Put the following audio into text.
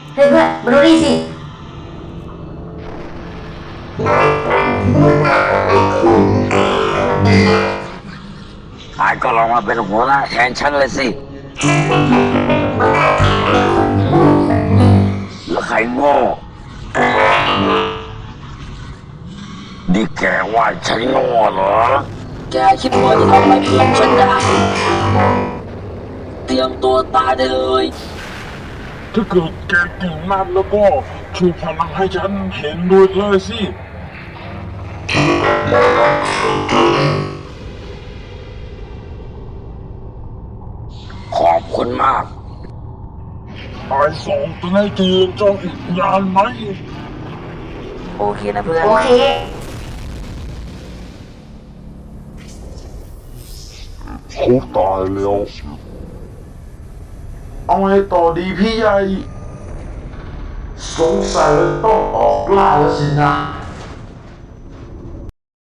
เฮ้ยเพื่อนมาดูนี่สินายก็ลองมาเป็นหัวหน้าแทนฉันเลยสิแล้วใครโง่นี่แกว่าฉันโง่เหรอแกคิดว่าจะทำอะไรเพื่อนฉันได้เตรียมตัวตายได้เลยถ้าเกิดแกเก่งมากแล้วก็ช่วยพลังให้ฉันเห็นด้วยเลยสิขอบคุณมากนายส่งตัวให้จีนจ้องอีกนานไหมโอเคนะเพื่อนโอเคเขาตายแล้วเอาไงต่อดีพี่ใหญ่สงสัยต้องออกล่าแล้วสินะ